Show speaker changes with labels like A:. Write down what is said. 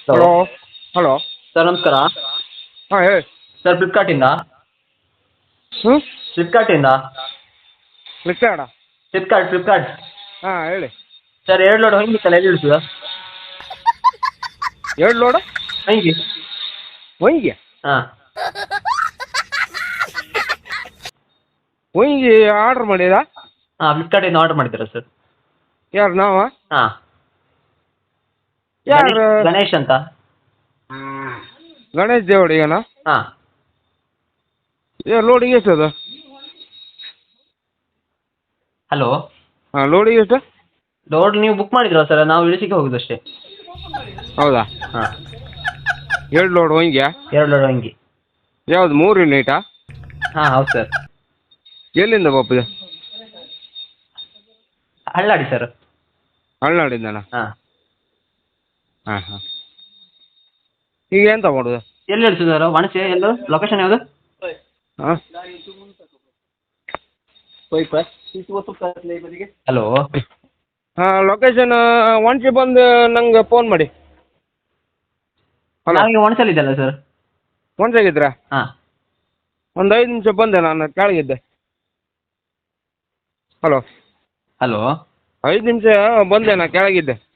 A: Hello.
B: Hello. Hello.
A: Sir ನಮಸ್ಕಾರ.
B: ಹಾಂ ಹೇಳಿ.
A: ಸರ್ ಫ್ಲಿಪ್ಕಾರ್ಟಿಂದ.
B: ಹ್ಞೂ.
A: ಫ್ಲಿಪ್ಕಾರ್ಟಿಂದ.
B: ಫ್ಲಿಪ್ಕಾರ್ಟ.
A: ಫ್ಲಿಪ್ಕಾರ್ಟ್.
B: ಹಾಂ ಹೇಳಿ.
A: ಸರ್ 2 ಲೋಡ್ ಹೊಂಗಿತ್ತಲ್ಲ ಎಲ್ಲಿ ಇಳಿಸೋದು?
B: 2 ಲೋಡು
A: ಹೊಂಗಿ.
B: ಹೊಂಗಿ.
A: ಹಾಂ.
B: ಹೊಂಗಿ ಆರ್ಡ್ರ್ ಮಾಡಿರಾ?
A: ಹಾಂ ಫ್ಲಿಪ್ಕಾರ್ಟಿಂದ ಆರ್ಡರ್ ಮಾಡಿದ್ದೀರಾ ಸರ್?
B: ಯಾರು ನಾವಾ?
A: ಹಾಂ.
B: ಯಾರು?
A: ಗಣೇಶ್ ಅಂತ.
B: ಗಣೇಶ್ ದೇವಡಿಗನಾ?
A: ಹಾಂ.
B: ಲೋಡಿಗೆ ಎಷ್ಟು ಅದು?
A: ಹಲೋ.
B: ಹಾಂ ಲೋಡಿಗೆ ಎಷ್ಟು?
A: ಲೋಡ್ ನೀವು ಬುಕ್ ಮಾಡಿದ್ರಲ್ಲ ಸರ್, ನಾವು ಇಳಿಸಿಕ್ಕೆ ಹೋಗುದು ಅಷ್ಟೇ.
B: ಹೌದಾ?
A: ಹಾಂ.
B: 2 ಲೋಡ್ ಹೊಂಗಿಯಾ?
A: 2 ಲೋಡ್ ಹೊಂಗಿ.
B: ಯಾವುದು 3 ಯೂನಿಟಾ?
A: ಹಾಂ ಹೌದು ಸರ್.
B: ಎಲ್ಲಿಂದ ಬಪ್ಪದೆ?
A: ಹಳ್ಳಾಡಿ ಸರ್.
B: ಹಳ್ನಾಡಿಂದನಾ?
A: ಹಾಂ.
B: ಹಾಂ ಹಾಂ. ಈಗ ಎಂತ ಮಾಡೋದು?
A: ಎಲ್ಲಿ ಇಳಿಸೋದು ಸರ್? ವಣಸೆ ಎಲ್ಲೋ ಲೊಕೇಶನ್ ಯಾವುದು?
B: ಹಾಂ.
A: ಹಲೋ.
B: ಹಾಂ ಲೊಕೇಶನ್ ಒಂದ್ಸಿ ಬಂದು ನಂಗೆ ಫೋನ್ ಮಾಡಿ. ಹಲೋ.
A: ನಾವೀಗ ವಣಸಲ್ಲಿದ್ದಲ್ಲ ಸರ್.
B: ಒಂದ್ಸಾಗಿದ್ರಾ?
A: ಹಾಂ.
B: ಒಂದು 5 ನಿಮಿಷ ಬಂದೆ, ನಾನು ಕೆಳಗಿದ್ದೆ. ಹಲೋ.
A: ಹಲೋ.
B: 5 ನಿಮಿಷ ಬಂದೆ, ನಾನು ಕೆಳಗಿದ್ದೆ.